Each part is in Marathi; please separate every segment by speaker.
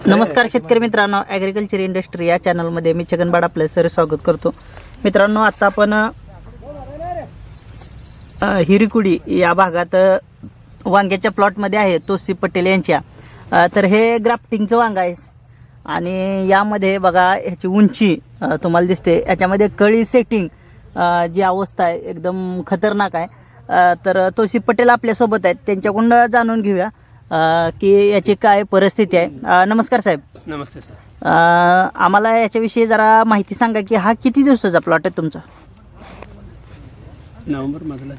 Speaker 1: नमस्कार शेतकरी मित्रांनो, ॲग्रिकल्चर इंडस्ट्री या चॅनलमध्ये मी छगन आपलं सर स्वागत करतो. मित्रांनो, आता आपण हिरीकुडी या भागात वांग्याच्या प्लॉटमध्ये आहे तोसी पटेल यांच्या. तर हे ग्राफ्टिंगचं वांग आहे आणि यामध्ये बघा ह्याची उंची तुम्हाला दिसते. याच्यामध्ये कळी सेटिंग जी अवस्था आहे एकदम खतरनाक आहे. तर तोसी पटेल आपल्यासोबत आहेत, त्यांच्याकडून जाणून घेऊया की याची काय परिस्थिती आहे. नमस्कार साहेब.
Speaker 2: नमस्ते सर.
Speaker 1: आम्हाला याच्याविषयी जरा माहिती सांगा की हा किती दिवसाचा प्लॉट आहे तुमचा?
Speaker 2: नोव्हेंबर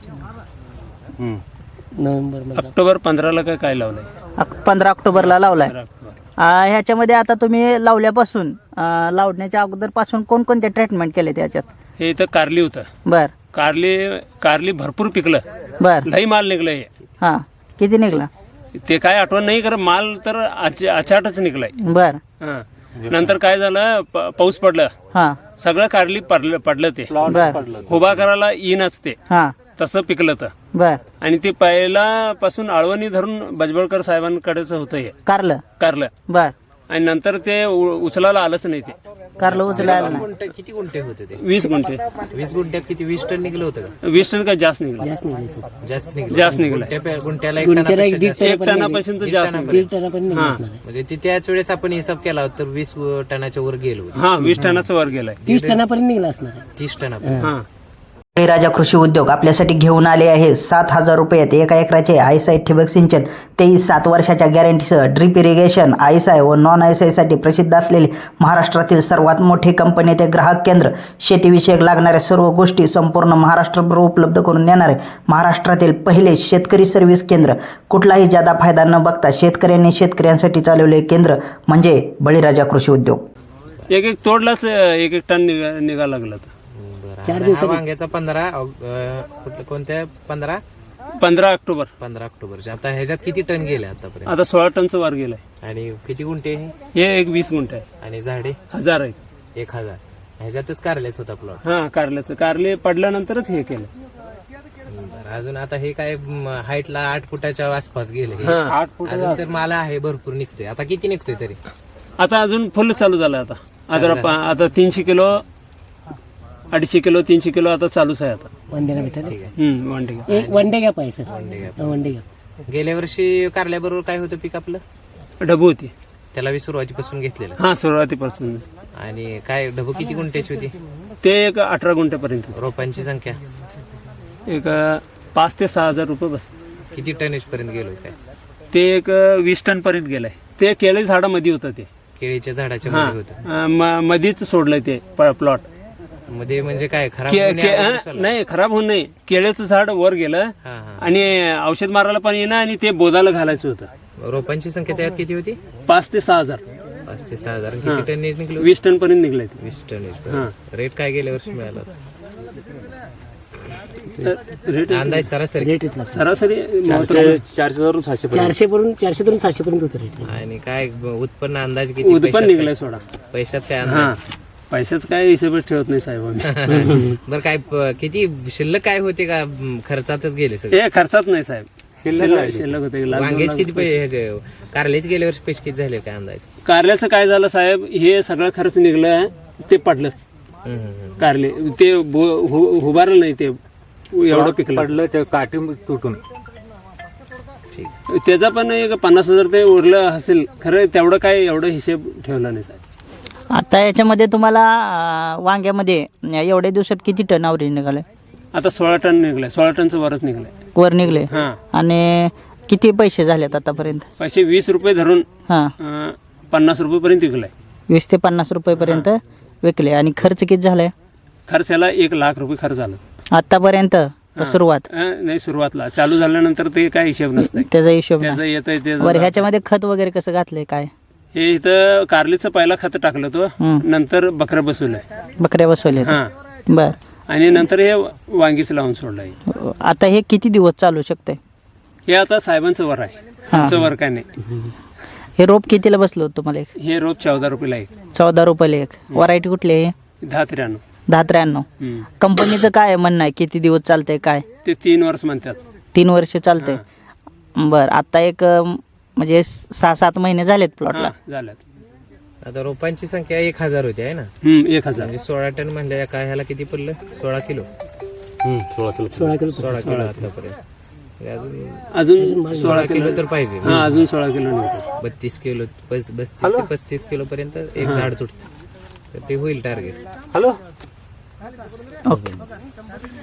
Speaker 2: ऑक्टोबर 15ला काय लावलंय?
Speaker 1: 15 ऑक्टोबरला लावलाय.
Speaker 2: 15 ऑक्टोबर.
Speaker 1: ह्याच्यामध्ये आता तुम्ही लावल्यापासून लावण्याच्या अगोदर पासून कोणकोणते ट्रीटमेंट केले त्याच्यात?
Speaker 2: हे इथं कारली होतं.
Speaker 1: बर
Speaker 2: कारली भरपूर पिकलं.
Speaker 1: बर
Speaker 2: लई माल निघलंय.
Speaker 1: हा, किती निघला
Speaker 2: ते काय आठवण नाही, खरं माल तर अचाटच निघलाय.
Speaker 1: बर.
Speaker 2: हा. नंतर काय झालं, पाऊस पडलं,
Speaker 1: हा
Speaker 2: सगळं कारली पडलं ते
Speaker 1: बर.
Speaker 2: उभा करायला येईनच ते
Speaker 1: हा
Speaker 2: तसं पिकलं तर.
Speaker 1: बर.
Speaker 2: आणि ते पहिल्यापासून आळवणी धरून बजबळकर साहेबांकडेच होतं हे कारलं.
Speaker 1: बर.
Speaker 2: आणि नंतर ते उचलायला आलंच नाही. ते
Speaker 1: कारलं उचलायला नाही.
Speaker 3: किती गुंठे होते ते?
Speaker 2: 20 गुंठे.
Speaker 3: 20 गुंठ्यात किती 20 टन निघलं होतं का?
Speaker 2: 20 टन काय जास्त निघलं. जास्त निघलं.
Speaker 3: गुंठ्याला 1 टनापेक्षा
Speaker 2: एक टनापासून तर जास्त निघलं. हा
Speaker 3: म्हणजे ते त्याच वेळेस आपण हिसाब केला होता तर 20 टनाच्या वर गेलो होतो.
Speaker 2: हा 20 टनाचा वर गेलाय.
Speaker 4: 30 टनापर्यंत निघला असणार.
Speaker 3: 30 टनापर्यंत.
Speaker 2: हा
Speaker 1: बळीराजा कृषी उद्योग आपल्यासाठी घेऊन आले आहे 7,000 रुपयात 1 एकराचे आयसाय ठिबक सिंचन, तेही 7 वर्षाच्या गॅरंटीसह, ड्रिप इरिगेशन, आयसाय व नॉन आयसायसाठी प्रसिद्ध असलेले महाराष्ट्रातील सर्वात मोठी कंपनी ते ग्राहक केंद्र, शेतीविषयक लागणाऱ्या सर्व गोष्टी संपूर्ण महाराष्ट्रभर उपलब्ध करून देणारे महाराष्ट्रातील पहिले शेतकरी सर्व्हिस केंद्र. कुठलाही जादा फायदा न बघता शेतकऱ्यांनी शेतकऱ्यांसाठी चालवले केंद्र म्हणजे बळीराजा कृषी उद्योग.
Speaker 2: एक तोडलाच 1 टन निघा लागला.
Speaker 3: 4 दिवसात वांग्याचा 15 कोणत्या
Speaker 2: 15 ऑक्टोबर.
Speaker 3: 15 ऑक्टोबरच्या. आता ह्याच्यात किती टन गेले आतापर्यंत?
Speaker 2: आता 16 टनचं वर गेलाय.
Speaker 3: आणि किती गुंठे हे?
Speaker 2: हे एक 20 गुंठ आहे.
Speaker 3: आणि झाडे
Speaker 2: 1000 आहे.
Speaker 3: 1000. ह्याच्यातच कारल्याच होता प्लॉट.
Speaker 2: हा कारल्याचं. कारले पडल्यानंतरच हे केलं.
Speaker 3: अजून आता हे काय हाईटला 8 फुटाच्या आसपास गेले.
Speaker 2: हा 8 फूट.
Speaker 3: अजून तर माल आहे भरपूर निघतोय. आता किती निघतोय तरी?
Speaker 2: आता अजून फुल चालू झालं. आता 300 किलो 250 किलो 300 किलो आता चालूच आहे. आता
Speaker 4: वंडेला भेटेल.
Speaker 2: वनडे.
Speaker 4: एक वनडे घ्या पाहिजे सर. वनडे घ्या.
Speaker 3: गेल्या वर्षी कारल्याबरोबर काय होतं पीक आपलं?
Speaker 2: ढबू होती.
Speaker 3: त्याला सुरुवातीपासून घेतलेलं.
Speaker 2: हा सुरुवातीपासून.
Speaker 3: आणि काय ढबू किती गुंठ्याची होती?
Speaker 2: ते एक 18 गुंठ्यापर्यंत.
Speaker 3: रोपांची संख्या
Speaker 2: एक 5 ते 6,000 रुपये बसते.
Speaker 3: किती टनेज पर्यंत गेलो काय?
Speaker 2: ते एक 20 टन पर्यंत गेलाय. ते केळी झाडामध्ये होतं. ते
Speaker 3: केळीच्या झाडाच्या
Speaker 2: हा
Speaker 3: मध्ये होतं.
Speaker 2: मध्येच सोडलंय ते प्लॉट.
Speaker 3: मध्ये म्हणजे काय खराब होण्याआधी?
Speaker 2: नाही खराब होऊन नाही. केळीचं झाड वर गेलं
Speaker 3: हा, हा.
Speaker 2: आणि औषध मारायला पण येणं आणि ते बोधाला घालायचं होतं.
Speaker 3: रोपांची संख्या त्यात किती होती?
Speaker 2: 5 ते 6,000.
Speaker 3: 5 ते 6,000. किती टनेज निघलो?
Speaker 2: 20 टन पर्यंत निघलंय.
Speaker 3: 20 टनेज.
Speaker 2: हा.
Speaker 3: रेट काय गेल्या वर्षी मिळाला?
Speaker 2: रेट
Speaker 3: अंदाज सरासरी
Speaker 4: रेट इथला
Speaker 2: सरासरी
Speaker 4: 400 वरून 700 पर्यंत होतं रेट.
Speaker 3: आणि काय उत्पन्न अंदाज किती?
Speaker 2: उत्पन्न निघलंय सोडा.
Speaker 3: पैशात काय
Speaker 2: हा
Speaker 3: अंदाज?
Speaker 2: पैशाच काय हिशोबच ठेवत नाही साहेब आम्ही.
Speaker 3: बरं काय किती शिल्लक काय होते का खर्चातच गेले सगळे?
Speaker 2: हे खर्चात नाही साहेब. शिल्लक होते.
Speaker 3: वांग्याचे किती पैसे? कारल्याचे गेल्या वर्षी पैसे किती झाले काय अंदाज?
Speaker 2: कारल्याचं काय झालं साहेब, हे सगळं खर्च निघलं ते पडलंच. कारले ते उभारलं नाही. ते एवढं पिकलं
Speaker 5: ते काठी तुटून.
Speaker 2: त्याचा पण एक 50,000 ते उरलं असेल. खरं तेवढं काय एवढं हिशेब ठेवला नाही साहेब.
Speaker 1: आता याच्यामध्ये तुम्हाला वांग्यामध्ये एवढ्या दिवसात किती टन आवरी निघाले?
Speaker 2: आता 16 टन निघलंय. 16 टनचं वरच निघलंय.
Speaker 1: वर निघले.
Speaker 2: हा
Speaker 1: आणि किती पैसे झालेत आतापर्यंत?
Speaker 2: पैसे 20 रुपये धरून
Speaker 1: हा
Speaker 2: 50 रुपये पर्यंत विकलाय.
Speaker 1: 20 ते 50 रुपयेपर्यंत विकले. आणि खर्च किती झालाय?
Speaker 2: खर्चाला 1 लाख रुपये खर्च झाला
Speaker 1: आतापर्यंत सुरुवात?
Speaker 2: नाही सुरुवातला. चालू झाल्यानंतर ते काय हिशेब नसतंय.
Speaker 1: त्याचा हिशोब
Speaker 2: त्याचं येतंय ते.
Speaker 1: वर ह्याच्यामध्ये खत वगैरे कसं घातलंय काय?
Speaker 2: हे इथं कारलीचं पहिला खत टाकलं तो. नंतर बकऱ्या बसवलंय.
Speaker 1: बकऱ्या बसवल्या?
Speaker 2: हा.
Speaker 1: बर.
Speaker 2: आणि नंतर हे वांगीच लावून सोडलंय.
Speaker 1: आता हे किती दिवस चालू शकते?
Speaker 2: हे आता साहेबांचं वर आहे. आमचं वर काय नाही.
Speaker 1: हे रोप कितीला बसलं होतं तुम्हाला? एक
Speaker 2: हे रोप 14 रुपयाला आहे.
Speaker 1: 14 रुपयाला एक. व्हरायटी कुठली आहे?
Speaker 2: 10-93.
Speaker 1: 10-93. कंपनीचं काय म्हणणं आहे? किती दिवस चालतंय काय?
Speaker 2: ते 3 वर्ष म्हणतात.
Speaker 1: 3 वर्ष चालतंय. बर. आता एक म्हणजे 6-7 महिने झालेत प्लॉटला.
Speaker 2: झालं
Speaker 3: आता रोपांची संख्या 1000 होती आहे ना,
Speaker 2: 1000.
Speaker 3: म्हणजे 16 टन म्हणल्या काय ह्याला किती पडलं? 16 किलो
Speaker 4: 16 किलो
Speaker 3: 16 किलो आतापर्यंत. म्हणजे
Speaker 2: अजून
Speaker 3: 16 किलो तर पाहिजे.
Speaker 2: हा, अजून 16 किलो निघतो.
Speaker 3: 32 किलो 32 ते 35 किलो पर्यंत एक झाड तुटतं, तर ते होईल टार्गेट.
Speaker 4: Hello
Speaker 1: okay.